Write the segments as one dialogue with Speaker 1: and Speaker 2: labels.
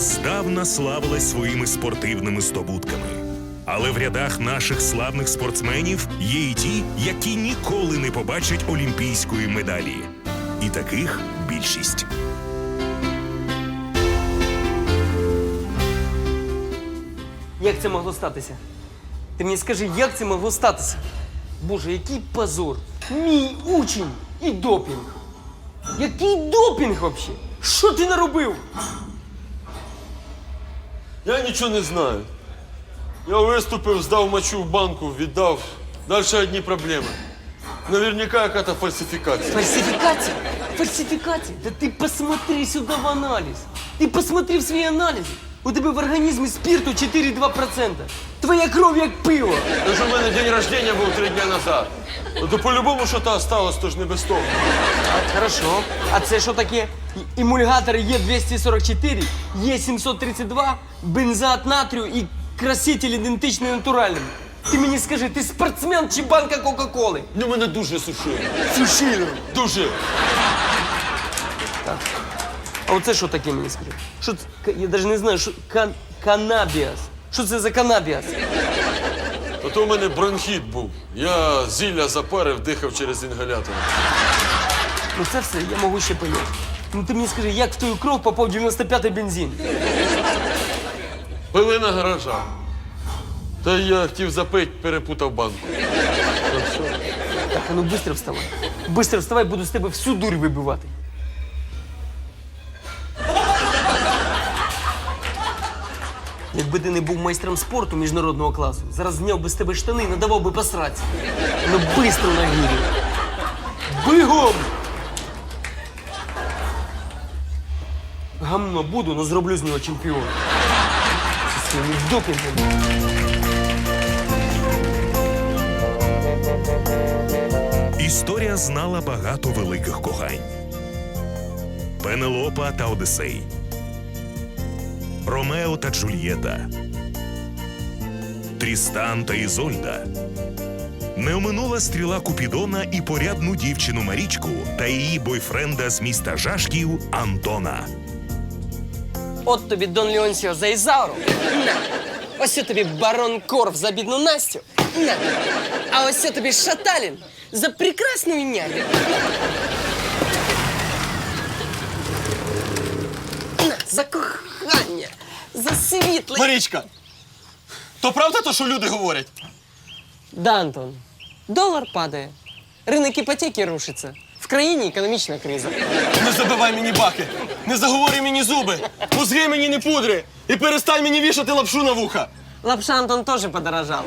Speaker 1: здавна славилась своїми спортивними здобутками. Але в рядах наших славних спортсменів є і ті, які ніколи не побачать олімпійської медалі. І таких більшість.
Speaker 2: Як це могло статися? Ти мені скажи, як це могло статися? Боже, який позор! Мій учень і допінг! Який допінг взагалі? Що ти наробив?
Speaker 3: Я нічого не знаю. Я виступив, здав мочу в банку, віддав. Далі одні проблеми. Наверняка якась фальсифікація.
Speaker 2: Фальсификация? Фальсификация? Да ты посмотри сюда в анализ. Ты посмотри в свои анализы. У тебе в організмі спирту 4,2%. Твоя кров як пиво.
Speaker 3: Тож у мене день рождения був 3 дні назад. То по-любому що-то осталось, тож не без того.
Speaker 2: Хорошо. А це що таке? Емульгатор Е244, Е732, бензоат натрію і краситель ідентичний натуральним. Ти мені скажи, ти спортсмен чи банка Кока-Коли?
Speaker 3: Ну, мене дуже сушило.
Speaker 2: Сушило.
Speaker 3: Дуже.
Speaker 2: А оце що таке, мені скажи? Що це? Я навіть не знаю, що канабіас. Що це за канабіас?
Speaker 3: То у мене бронхіт був. Я зілля запарив, дихав через інгалятор.
Speaker 2: Ну це все, я можу ще поняти. Ну ти мені скажи, як в твою кров попав 95-й бензин?
Speaker 3: Пили на гаражах. Та я хотів запити, перепутав банку. Так що?
Speaker 2: Так, а ну быстро вставай. Быстро вставай, буду з тебе всю дурь вибивати. Якби ти не був майстром спорту міжнародного класу, зараз зняв би з тебе штани і надавав би посратися. Ну быстро на гірі. Бігом! Гамно буду, но зроблю з нього чемпіона. Зі своїм допінгом.
Speaker 1: Історія знала багато великих кохань. Пенелопа та Одиссей, Ромео та Джульєта, Трістан та Ізольда. Не оминула стріла Купідона і порядну дівчину Марічку та її бойфренда з міста Жашків Антона.
Speaker 2: От тобі Дон Леонсіо за Ізауру. На. Ось тобі барон Корф за бідну Настю. На. А ось тобі Шаталін за прекрасну няню. На. За кохання, за світле.
Speaker 4: Марічка, то правда то, що люди говорять?
Speaker 2: Да, Антон, долар падає, ринок іпотеки рушиться. В країні економічна криза.
Speaker 4: Не забивай мені баки, не заговорюй мені зуби, мозги мені не пудри і перестань мені вішати лапшу на вуха.
Speaker 2: Лапша, Антон, теж подорожав.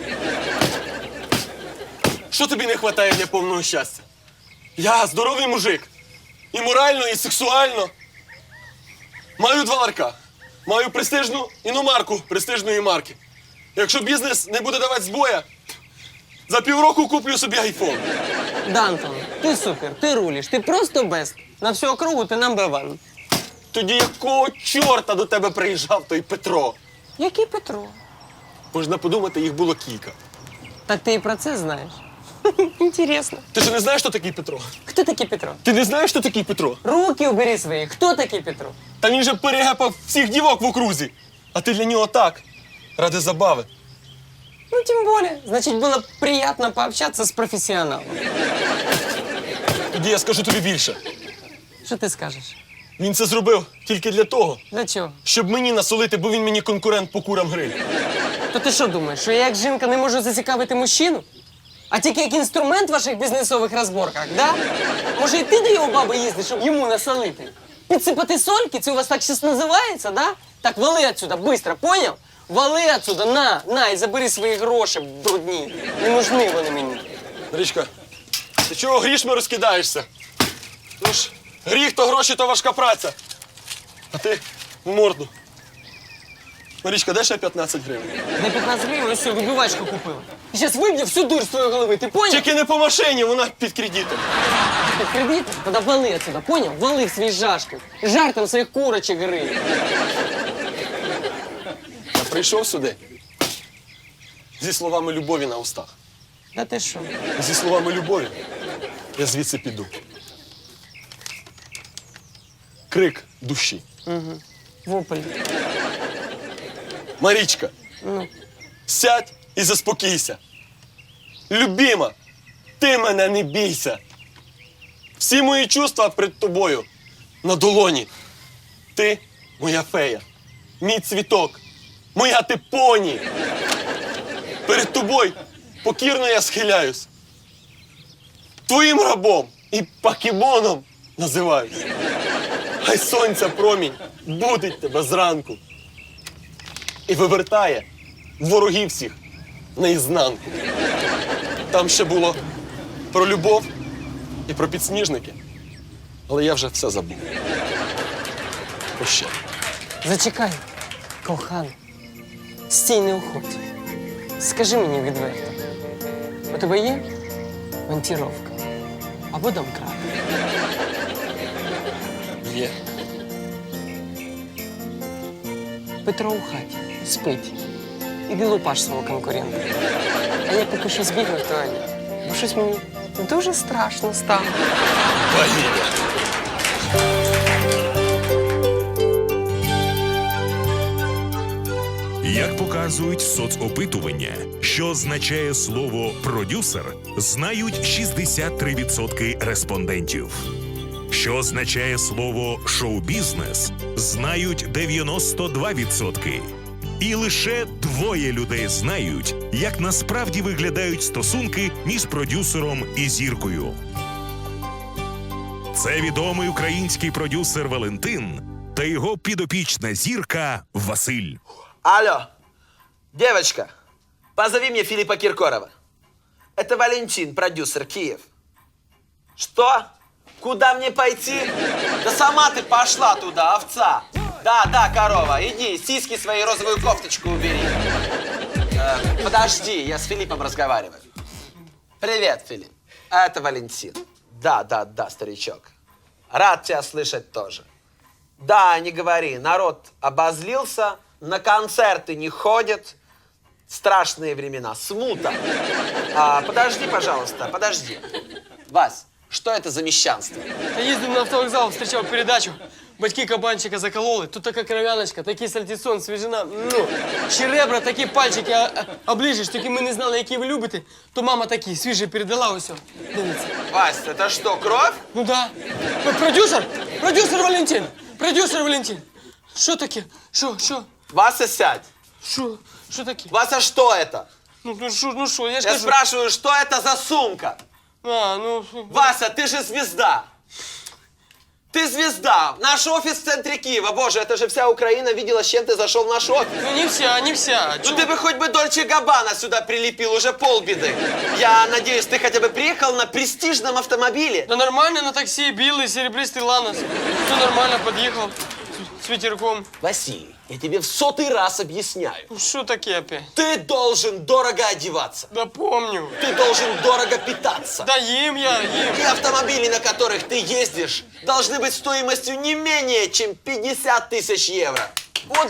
Speaker 4: Що тобі не вистачає для повного щастя? Я здоровий мужик. І морально, і сексуально. Маю 2 ларка. Маю престижну іномарку престижної марки. Якщо бізнес не буде давати збоя, за півроку куплю собі айфон.
Speaker 2: Да, Антон, ти супер, ти рулиш, ти просто бест. На всю округу ти number one.
Speaker 4: Тоді якого чорта до тебе приїжджав той Петро?
Speaker 2: Який Петро?
Speaker 4: Можна подумати, їх було кілька.
Speaker 2: Так ти і про це знаєш? Інтересно.
Speaker 4: Ти ж не знаєш, хто такий Петро?
Speaker 2: Хто такий Петро?
Speaker 4: Ти не знаєш, хто такий Петро?
Speaker 2: Руки убери свої. Хто такий Петро?
Speaker 4: Та він же перегепав всіх дівок в окрузі. А ти для нього так, ради забави.
Speaker 2: Ну, тем более. Значит, было приятно пообщаться с профессионалом.
Speaker 4: Тоді я скажу тобі більше.
Speaker 2: Що ти скажеш?
Speaker 4: Він це зробив тільки для того,
Speaker 2: Для чого?
Speaker 4: щоб мені насолити, бо він мені конкурент по курам гриль.
Speaker 2: То ти що думаєш, що я як жінка не можу зацікавити мужчину? А тільки як інструмент в ваших бізнесових розборках, да? Може, і ти до його баби їздиш, щоб йому насолити? Підсипати сольки, це у вас так щось називається, да? Так, вали отсюда, быстро, поняв? Вали отсюда, на, і забери свої гроші брудні. Не нужны вони мені.
Speaker 4: Річка, ти чого грішми розкидаєшся? Ну ж, гріх то гроші, то важка праця. А ти в морду. Марічка, дай ще 15 гривень.
Speaker 2: На 15 гривень ось вибивачку купила. І зараз виб'є всю дурь з твоєї голови, ти поняв?
Speaker 4: Тільки не по машині, вона під кредитом.
Speaker 2: Під кредитом? Тоді вали отсюда, поняв? Вали в свій жашки. Жар там своїх курочок гри.
Speaker 4: Я прийшов сюди зі словами любові на устах.
Speaker 2: Да ти що?
Speaker 4: Зі словами любові я звідси піду. Крик душі.
Speaker 2: Вопль.
Speaker 4: Марічка, сядь і заспокійся. Любима, ти мене не бійся. Всі мої чувства перед тобою на долоні. Ти моя фея, мій цвіток, моя ти поні. Перед тобою покірно я схиляюсь. Твоїм рабом і покемоном називаюсь. Хай сонця промінь будить тебе зранку і вивертає ворогів всіх наізнанку. Там ще було про любов і про підсніжники, але я вже все забув. Прощай.
Speaker 2: Зачекай, коханий. Стій, не уходь. Скажи мені відверто. У тебе є монтіровка або домкрат?
Speaker 4: Є.
Speaker 2: Петро у хаті, спить. Іди лупаш свого конкурента. А я поки що збігну в туалет, бо щось мені дуже страшно стало.
Speaker 4: Валерія.
Speaker 1: Як показують соцопитування, що означає слово «продюсер», знають 63% респондентів. Що означає слово «шоу-бізнес», знають 92%. І лише 2 людей знають, як насправді виглядають стосунки між продюсером і зіркою. Це відомий український продюсер Валентин та його підопічна зірка Василь.
Speaker 5: Алло, девочка, позови мне Филиппа Киркорова. Это Валентин, продюсер, Киев. Что? Куда мне пойти? Да сама ты пошла туда, овца. Да, корова, иди, сиськи свои, розовую кофточку убери. Подожди, я с Филиппом разговариваю. Привет, Филипп. Это Валентин. Да, старичок. Рад тебя слышать тоже. Да, не говори, народ обозлился, на концерты не ходят. Страшные времена, смута. Подожди, пожалуйста, подожди. Вась, что это за мещанство?
Speaker 2: Я їздив на автовокзал, встречав передачу. Батьки кабанчика закололи. Тут така кров'яночка, такий сальтісон, свіжина. Ну, ще ребра, такі пальчики оближиш, тільки ми не знали, які ви любите. То мама такі, свіжі передала ось. Дивіться.
Speaker 5: Вась, это что, кровь?
Speaker 2: Ну да. Продюсер! Продюсер Валентин! Продюсер Валентин! Що таке? Що?
Speaker 5: Вася, сядь.
Speaker 2: Що таке?
Speaker 5: Вася, что это?
Speaker 2: Ну що, я ж
Speaker 5: Я
Speaker 2: кажу.
Speaker 5: спрашиваю, что это за сумка? Вася, ты же звезда. Ты звезда. Наш офис в центре Киева. Боже, это же вся Украина видела, с чем ты зашел в наш офис.
Speaker 2: Ну не вся.
Speaker 5: Ну ты бы хоть бы Дольче Габбана сюда прилепил, уже полбеды. Я надеюсь, ты хотя бы приехал на престижном автомобиле.
Speaker 2: Да нормально, на такси, белый, серебристый Ланос. Все нормально, подъехал с ветерком.
Speaker 5: Василий, я тебе в 100-й раз объясняю.
Speaker 2: Ну что такие опять?
Speaker 5: Ты должен дорого одеваться.
Speaker 2: Да помню.
Speaker 5: Ты должен дорого питаться.
Speaker 2: Да ем я.
Speaker 5: И автомобили, на которых ты ездишь, должны быть стоимостью не менее, чем 50 тысяч евро.
Speaker 2: От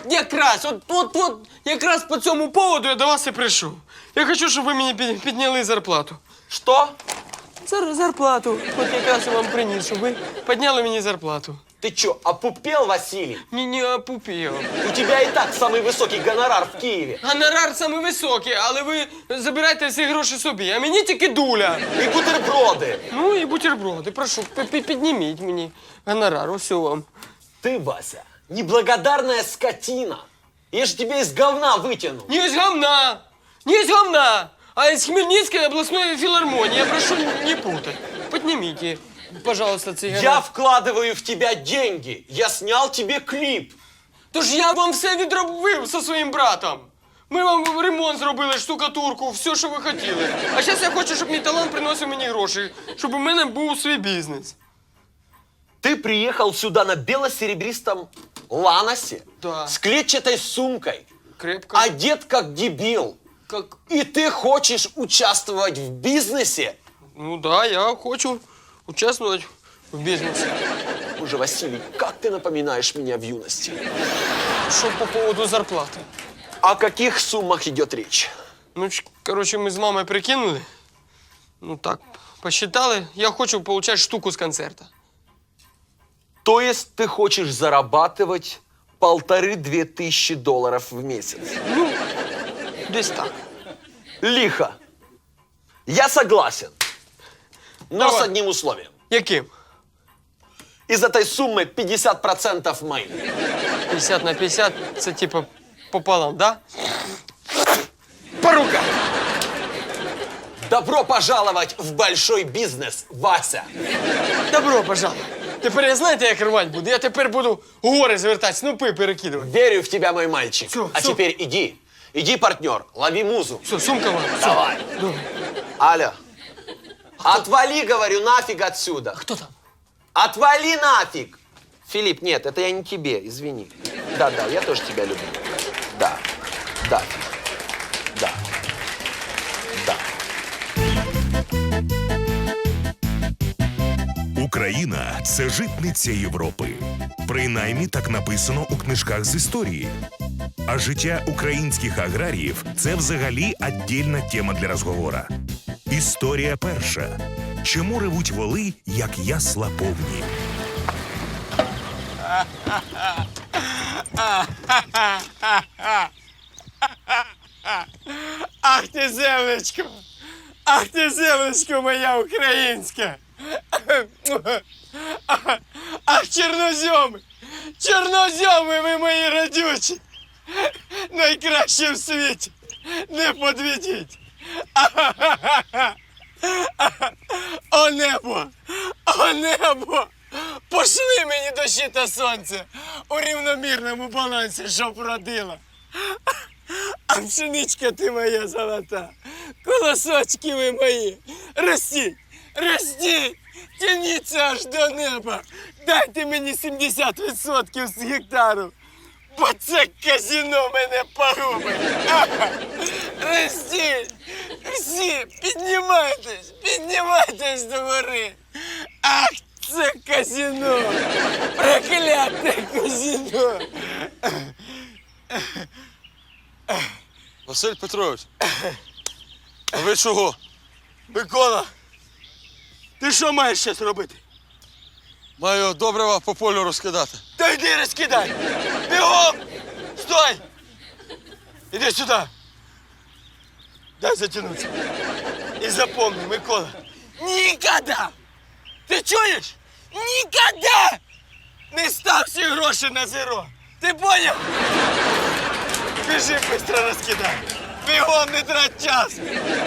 Speaker 2: якраз по цьому поводу я до вас і прийшов. Я хочу, щоб ви мені підняли зарплату.
Speaker 5: Что?
Speaker 2: Зарплату. От якраз я вам приніс, щоб ви підняли мені зарплату.
Speaker 5: Ты чё, опупел, Василий?
Speaker 2: Не опупів.
Speaker 5: У тебя и так самый высокий гонорар в Киеве.
Speaker 2: Гонорар самий високий, але ви забирайте всі гроші собі, а мені тільки дуля.
Speaker 5: И бутерброды.
Speaker 2: Ну і бутерброди, прошу, підніміть мені гонорар, ось вам.
Speaker 5: Ты, Вася, неблагодарная скотина. Я же тебя из говна вытяну.
Speaker 2: Не из говна, а из Хмельницкой областной филармонии. Я прошу не путать. Поднимите, пожалуйста, цей гонорар.
Speaker 5: Я вкладываю в тебя деньги. Я снял тебе клип.
Speaker 2: Тож я вам все відробив зі своїм братом. Ми вам ремонт зробили, штукатурку, все, що ви хотіли. А зараз я хочу, щоб мій талант приносив мені гроші, щоб у мене був свій бізнес.
Speaker 5: Ты приехал сюда на бело-серебристом ланосе,
Speaker 2: Да.
Speaker 5: с клетчатой сумкой,
Speaker 2: Крепко.
Speaker 5: одет как дебил.
Speaker 2: Как?
Speaker 5: И ты хочешь участвовать в бизнесе?
Speaker 2: Ну да, я хочу участвовать в бізнесі.
Speaker 5: Боже, Василий, как ты напоминаешь меня в юности.
Speaker 2: Що по поводу зарплати?
Speaker 5: О каких суммах идет речь?
Speaker 2: Ну, короче, ми з мамою прикинули. Ну так, посчитали. Я хочу получать штуку з концерта.
Speaker 5: То есть ты хочешь зарабатывать 1500-2000 долларов в месяц.
Speaker 2: Десь так.
Speaker 5: Лихо. Я согласен. Но
Speaker 2: Давай.
Speaker 5: с одним условием.
Speaker 2: Яким?
Speaker 5: Из этой суммы 50% мои.
Speaker 2: 50 на 50 – це типу пополам, да? По рукам!
Speaker 5: Добро пожаловать в большой бизнес, Вася.
Speaker 2: Добро, пожалуй. Тепер я знаєте, як рвать буду? Я тепер буду гори звертати, снопи перекидувати.
Speaker 5: Верю в тебя, мой мальчик.
Speaker 2: Всё,
Speaker 5: А
Speaker 2: всё.
Speaker 5: теперь иди. Иди, партнер, лови музу.
Speaker 2: Все, сумка вам. Всё.
Speaker 5: Давай.
Speaker 2: Добре.
Speaker 5: Алло. Отвали, говорю, нафиг отсюда.
Speaker 2: Хто там?
Speaker 5: Отвали нафиг! Филипп, нет, это я не тебе, извини. Да, я тоже тебя люблю. Да. Да.
Speaker 1: Україна це житниця Європи. Принаймні так написано у книжках з історії. А життя українських аграріїв це взагалі віддільна тема для розговора. Історія перша. Чому ревуть воли, як ясла повні?
Speaker 2: Ах ти, землечко! Ах ти, землечко моя українська! Ах, чорнозьоми! Чорнозьоми ви мої радючі! Найкраще в світі! Не подведіть! О небо! О небо! Пошли мені дощі та сонце у рівномірному балансі, щоб родила! А пшеничка ти моя золота, колосочки ви мої, ростіть, ростіть, тяніться аж до неба, дайте мені 70% з гектару, бо це казино мене погубить. Ростіть, всі, піднімайтесь до гори. Ах, це казино, прокляте казино.
Speaker 3: Василь Петрович, а ви чого?
Speaker 2: Микола, ти що маєш зараз робити?
Speaker 3: Маю добрива по полю розкидати.
Speaker 2: Та йди розкидай! Бігом! Стой! Іди сюди! Дай затягнутися. І запомни, Микола, ніколи! Ти чуєш? Ніколи! Не став всі гроші на зеро! Ти поняв? Біжи, швидко розкидай! Бігом, не трать час!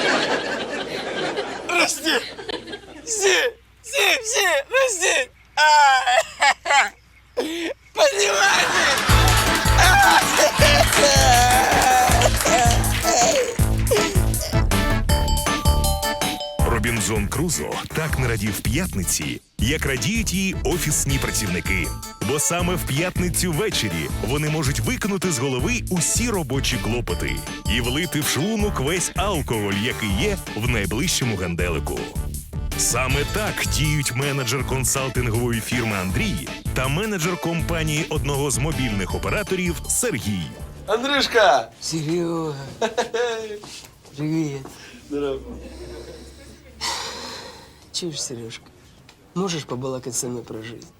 Speaker 2: Рости! Всі! Рости! Поднимайтесь!
Speaker 1: Робінзон Крузо так не радів п'ятниці, як радіють її офісні працівники. Бо саме в п'ятницю ввечері вони можуть викинути з голови усі робочі клопоти і влити в шлунок весь алкоголь, який є в найближчому ганделику. Саме так діють менеджер консалтингової фірми Андрій та менеджер компанії одного з мобільних операторів Сергій.
Speaker 3: Андрюшка!
Speaker 2: Серега, привет.
Speaker 3: Здорово.
Speaker 2: Чуешь, Сережка, можешь побалакать со мной про жизнь?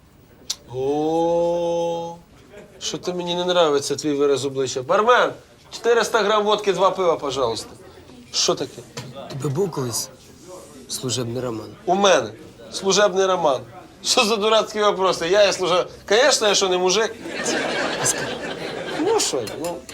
Speaker 3: О, що то мені не нравиться твій вираз обличчя. Бармен, 400 грам водки, 2 пива, пожалуйста. Що таке?
Speaker 2: Тебе був колись служебний роман?
Speaker 3: У мене служебний роман. Що за дурацькі вопроси? Я служебний. Звісно, я що не мужик. Ну що,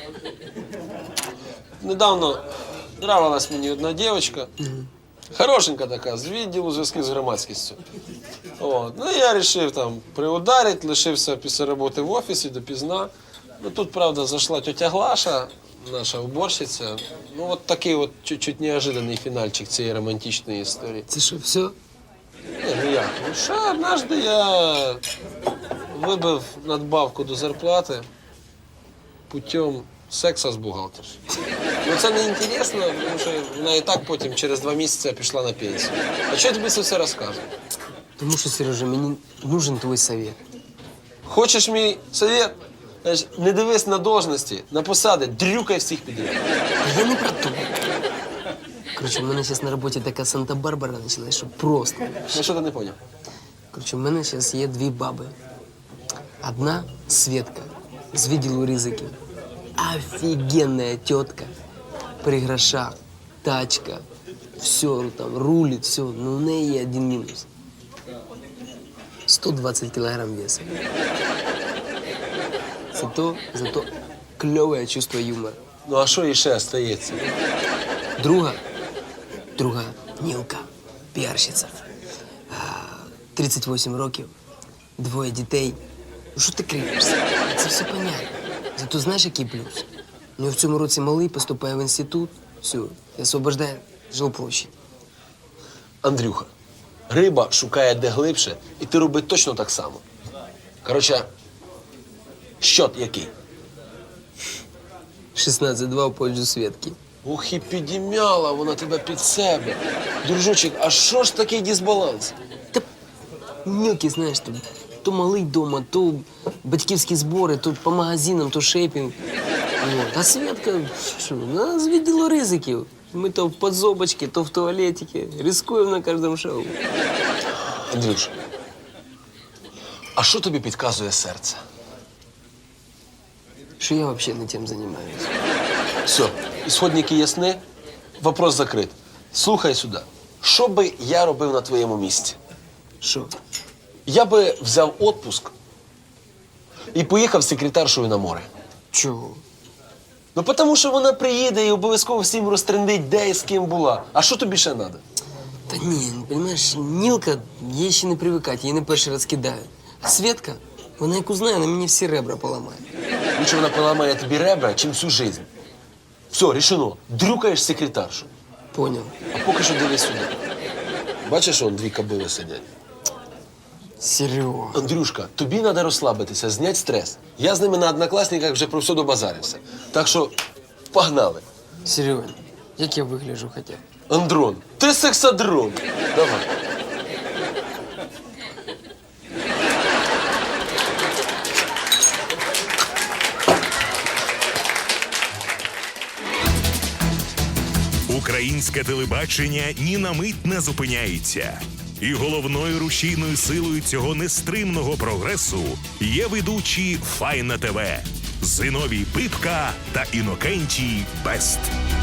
Speaker 3: недавно нравилась мені одна дівчинка. Хорошенька така, з відділу зв'язків з громадськістю. От. Ну, я вирішив там приударити, лишився після роботи в офісі допізна. Ну, тут, правда, зайшла тетя Глаша, наша уборщиця. Ну, от такий от чуть-чуть неожиданний фінальчик цієї романтичної історії.
Speaker 2: Це що, все?
Speaker 3: Ні, ну як? Ну, ще однажды я вибив надбавку до зарплати путем секса з бухгалтершею. Ну це не інтересно, тому що вона і так потім через 2 місяці пішла на пенсію. А чого я тобі це все розказую?
Speaker 2: Тому що, Сережа, мені нужен твій совет.
Speaker 3: Хочеш мій совет? Значить, не дивись на должності, на посади, дрюкай всіх підряд.
Speaker 2: Та я не про то. Коротше, у мене зараз на роботі така Санта-Барбара почалась, що просто.
Speaker 3: Ну що ти не поняв?
Speaker 2: Коротше, у мене зараз є 2 баби. Одна Светка, з відділу ризиків. Офігенна тітка. При грошах, тачка, все там, рулить, все. Ну, у неї є один мінус. 120 кілограм веса. Зато кльове чувство юмора.
Speaker 3: Ну а що іще стається?
Speaker 2: Друга Нілка, піарщиця. 38 років, 2 дітей. Ну що ти кривишся? Це все понятно. Зато знаєш, який плюс? У нього в цьому році малий поступає в інститут. Все, і освобождає жилплощадь.
Speaker 3: Андрюха, риба шукає де глибше, і ти роби точно так само. Коротше, щот який?
Speaker 2: 16-2 в пользу Светки.
Speaker 3: Ох, і підім'яла вона тебе під себе. Дружочек, а що ж такий дисбаланс?
Speaker 2: Та мілкі, знаєш, то малий дома, то батьківські збори, то по магазинам, то шейпінг. От. А Светка, що, вона з відділу ризиків. Ми то в подзобочці, то в туалетике. Рискуємо на кожному шоу.
Speaker 3: Андрюш, а що тобі підказує серце?
Speaker 2: Що я взагалі не тим займаюся.
Speaker 3: Все, ісходники ясні, вопрос закрит. Слухай сюди. Що би я робив на твоєму місці?
Speaker 2: Що?
Speaker 3: Я би взяв відпуск і поїхав з секретаршою на море.
Speaker 2: Чого?
Speaker 3: Ну, тому що вона приїде і обов'язково всім розтрендить, де і з ким була. А що тобі ще треба?
Speaker 2: Та ні, розумієш, Нілка, їй ще не привикати, її не перший раз кидають. А Светка, вона як узнає, вона мені всі ребра поламає.
Speaker 3: Лучше вона поламає тобі ребра, чим всю життя. Все, рішено. Дрюкаєш секретаршу.
Speaker 2: Поняв.
Speaker 3: А поки що дивись сюди. Бачиш, он 2 кобили сидять.
Speaker 2: Серйозно.
Speaker 3: Андрюшка, тобі треба розслабитися, зняти стрес. Я з ними на однокласниках вже про все добазарився. Так що погнали.
Speaker 2: Серйозно. Як я вигляджу хоча б?
Speaker 3: Андрон, ти сексадрон. Давай.
Speaker 1: Українське телебачення ні на мить не зупиняється. І головною рушійною силою цього нестримного прогресу є ведучі Файна ТВ Зиновій Пипка та Інокентій Бест.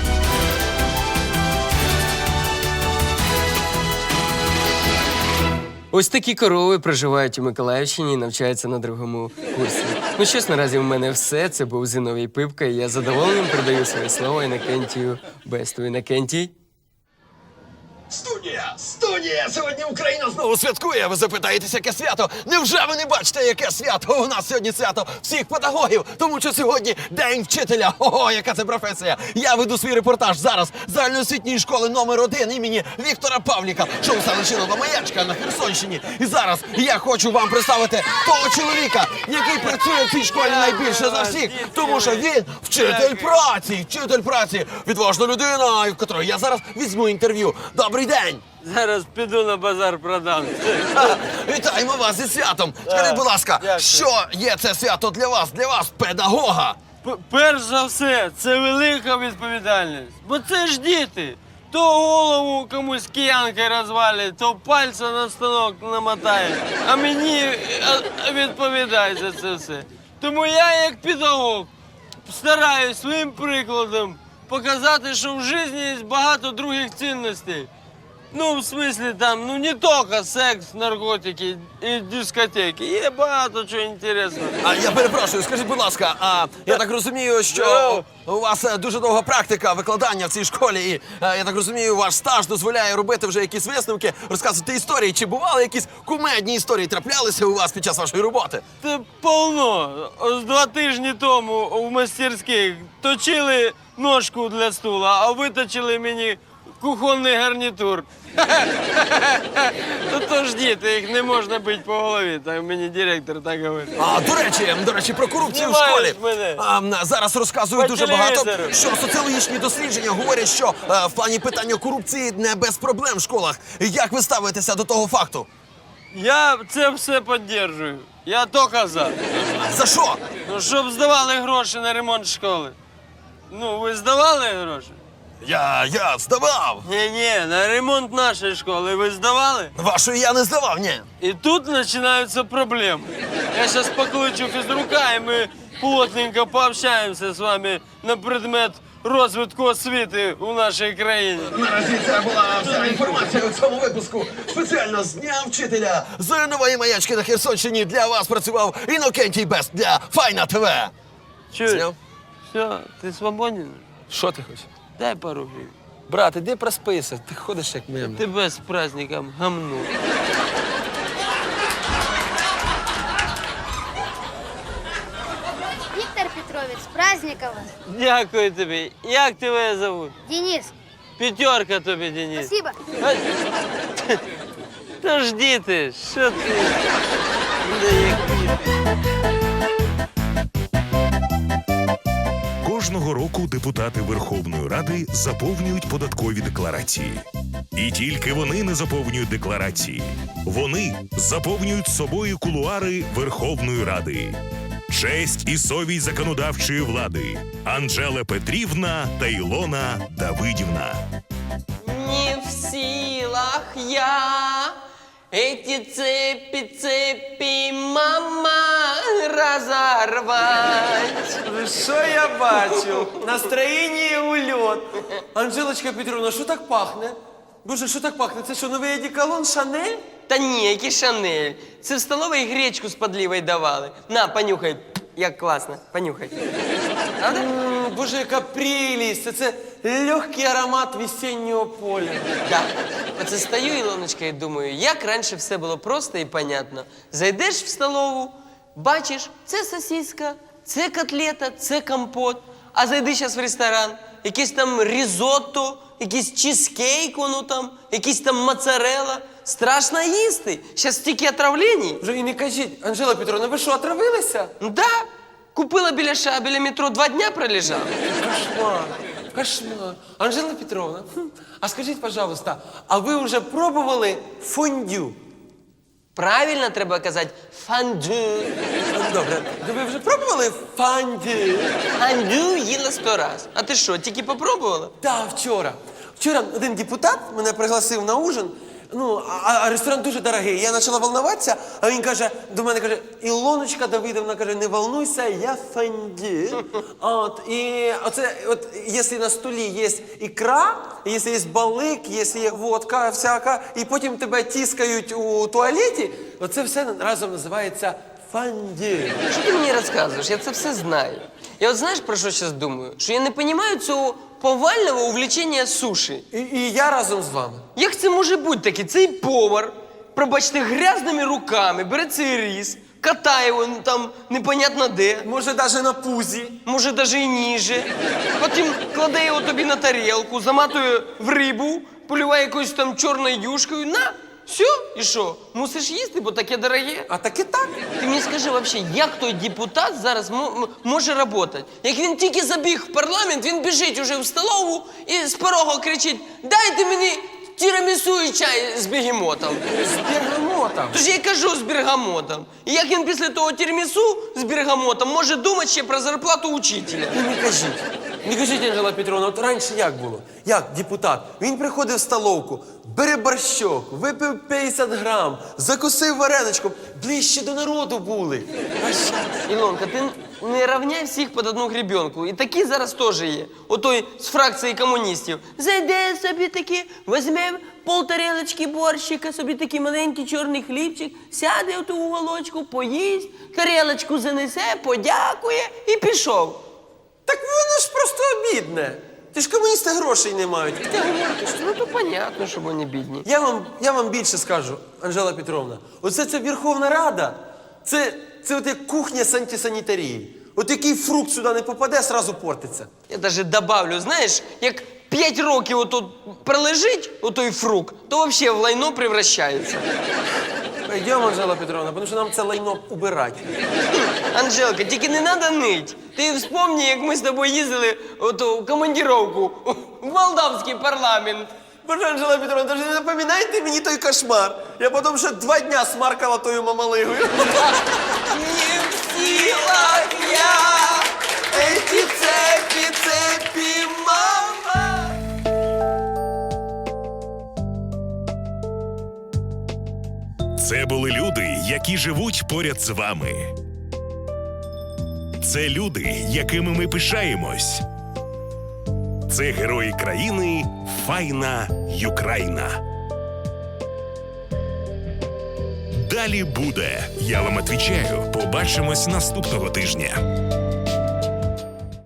Speaker 2: Ось такі корови проживають у Миколаївщині і навчаються на 2-му курсі. Ну що ж, наразі в мене все. Це був Зиновій Пипка, і я з задоволенням передаю своє слово Інокентію Бесту. Інокентій?
Speaker 6: Студія! Сьогодні Україна знову святкує. Ви запитаєтесь, яке свято? Невже ви не бачите, яке свято? У нас сьогодні свято всіх педагогів, тому що сьогодні День вчителя. Ого, яка це професія! Я веду свій репортаж зараз з загальноосвітньої школи номер 1 імені Віктора Павліка, що у селищі Нова Маячка на Херсонщині. І зараз я хочу вам представити того чоловіка, який працює в цій школі найбільше за всіх, тому що він вчитель праці, відважна людина, в котрої я зараз візьму інтерв'ю. Добрий день!
Speaker 7: Зараз піду на базар продам.
Speaker 6: Вітаємо вас зі святом! Скажіть, будь ласка,
Speaker 7: дякую.
Speaker 6: що є це свято для вас, педагога?
Speaker 7: Перш за все, це велика відповідальність. Бо це ж діти. То голову комусь киянкою розвалять, то пальця на станок намотають. А мені відповідає за це все. Тому я, як педагог, стараюсь своїм прикладом показати, що в житті є багато других цінностей. Ну, в смислі, там, ну не тільки секс, наркотики і дискотеки. Є багато чого інтересного.
Speaker 6: А я перепрошую, скажіть, будь ласка, я так розумію, що у вас дуже довга практика викладання в цій школі, і я так розумію, ваш стаж дозволяє робити вже якісь висновки, розказувати історії. Чи бували якісь кумедні історії траплялися у вас під час вашої роботи?
Speaker 7: Це повно. Ось 2 тижні тому в мастерських точили ножку для стула, а виточили мені кухонний гарнітур. То ж діти, їх не можна бити по голові, так мені директор так говорить.
Speaker 6: До речі, про корупцію в
Speaker 7: Знімаєш
Speaker 6: школі.
Speaker 7: мене.
Speaker 6: Зараз розказують
Speaker 7: По
Speaker 6: дуже багато,
Speaker 7: телевізору.
Speaker 6: що соціологічні дослідження говорять, що в плані питання корупції не без проблем в школах. Як ви ставитеся до того факту?
Speaker 7: Я це все підтримую. Я тільки за.
Speaker 6: За що?
Speaker 7: Ну, щоб здавали гроші на ремонт школи. Ну, ви здавали гроші?
Speaker 6: Я здавав.
Speaker 7: Ні, на ремонт нашої школи ви здавали?
Speaker 6: Вашої я не здавав, ні.
Speaker 7: І тут починаються проблеми. Я сейчас покличу физрука, и мы плотненько пообщаемся с вами на предмет розвитку освіти у нашій країні.
Speaker 6: Наразі це була вся інформація у цьому випуску. Спеціально з Дня вчителя з нової маячки на Херсонщині для вас працював Інокентій Бест для Файна ТВ.
Speaker 7: Чуєш?
Speaker 3: Зняв?
Speaker 7: Все, ти свободен?
Speaker 3: Що ти хочеш?
Speaker 7: Дай пару гривень.
Speaker 3: Брат, іди проспися, ти ходиш як мем.
Speaker 7: Тебе з праздником гамну.
Speaker 8: Виктор Петрович, с праздником вас.
Speaker 7: Дякую тобі. Як тебе зовут?
Speaker 8: Денис,
Speaker 7: П'ятерка тобі, Денис.
Speaker 8: спасибо.
Speaker 7: Та ж діти, що ти? Да які?
Speaker 1: Кожного року депутати Верховної Ради заповнюють податкові декларації. І тільки вони не заповнюють декларації. Вони заповнюють собою кулуари Верховної Ради. Честь і совість законодавчої влади Анжела Петрівна та Ілона Давидівна.
Speaker 2: Не в силах я эти цепи, мама, разорвать.
Speaker 4: Що я бачу? Настроєння ульот. Анжелочка Петровна, що так пахне? Боже, що так пахне? Це що, новий одеколон Шанель?
Speaker 2: Та ні, який Шанель. Це в столовій гречку з подлівою давали. На, понюхай. Як класно. Понюхай. Правда?
Speaker 4: Боже, яка прелість! Це легкий аромат весеннього поля.
Speaker 2: Да. Оце стою, Ілоночка, і думаю, як раніше все було просто і понятно. Зайдеш в столову, бачиш, це сосиска, це котлета, це компот. А зайди зараз в ресторан, якийсь там різотто, якийсь чизкейк, воно там, якийсь там моцарелла. Страшно їсти. Зараз стільки отравлень.
Speaker 4: Вже і не кажіть, Анжела Петровна, ви що, отравилися?
Speaker 2: Да. Купила біля метро, 2 дня пролежала.
Speaker 4: Кошмар, кошмар. Анжела Петровна, а скажіть, пожалуйста, а ви вже пробували фондю?
Speaker 2: Правильно треба казати фандю.
Speaker 4: Добре, ви вже пробували фондю?
Speaker 2: Фандю їла 100 раз. А ти що, тільки попробувала?
Speaker 4: Так, вчора. Вчора один депутат мене пригласив на ужин. Ну, а ресторан дуже дорогий. Я почала волноватися, а він каже, до мене каже, Ілоночка Давидовна, каже, не волнуйся, я фонді. От, і оце, от, якщо на столі є ікра, якщо є балик, якщо є водка всяка, і потім тебе тискають у туалеті, оце все разом називається фонді.
Speaker 2: Що ти мені розказуєш? Я це все знаю. Я от знаєш, про що зараз думаю? Що я не розумію цього повального увлечення суші.
Speaker 4: І я разом з вами.
Speaker 2: Як це може бути таке? Цей повар, пробачте, грязними руками бере цей рис, катає його там непонятно де,
Speaker 4: Може, навіть на пузі.
Speaker 2: може навіть і ніже. Потім кладе його тобі на тарілку, заматує в рибу, полюває якоюсь там чорною юшкою. На, все, і що? Мусиш їсти, бо таке дороге.
Speaker 4: А так і так.
Speaker 2: Ти мені скажи взагалі, як той депутат зараз може працювати? Як він тільки забіг в парламент, він біжить уже в столову і з порога кричить: «Дайте мені тірамісу і чай з бегемотом».
Speaker 4: З бергамотом.
Speaker 2: Тож я й кажу з бергамотом. І як він після того тірамісу з бергамотом може думати ще про зарплату учителя?
Speaker 4: Ну, не кажіть. Не кажіть, Анжела Петровна, от раніше як було? Як депутат? Він приходив в столовку, бере борщок, випив 50 грам, закусив вареничком, ближче до народу були. А щас?
Speaker 2: Ілонка, ти не рівняй всіх під одну гребенку. І такі зараз теж є. Отой з фракції комуністів. Зайде собі таки, візьме полтарелочки борщика, собі такий маленький чорний хлібчик, сяде в ту уголочку, поїсть, тарелочку занесе, подякує і пішов.
Speaker 4: Так воно ж просто обідне. Ти ж комуністи грошей не мають.
Speaker 2: Ти говориш, ну то понятно, що вони бідні.
Speaker 4: Я вам більше скажу, Анжела Петровна. Оце ця Верховна Рада, це от як кухня з антисанітарії. От який фрукт сюди не попаде, сразу портиться.
Speaker 2: Я навіть добавлю, знаєш, як 5 років отут пролежить отой фрукт, то взагалі в лайно превращається.
Speaker 4: Пойдемо, Анжела Петровна, тому що нам це лайно убирати.
Speaker 2: Анжелка, тільки не треба нить. Ти вспомни, як ми з тобою їздили в командировку в молдавський парламент.
Speaker 4: Боже, Анжела Петровна, даже не напоминайте мені той кошмар. Я потім ще 2 дня смаркала тою мамалигою.
Speaker 2: Не в силах я, эти цепи, мама.
Speaker 1: Це були люди, які які живуть поряд з вами. Це люди, якими ми пишаємось. Це герої країни Файна Юкраїна. Далі буде. Я вам відповідаю. Побачимось наступного тижня.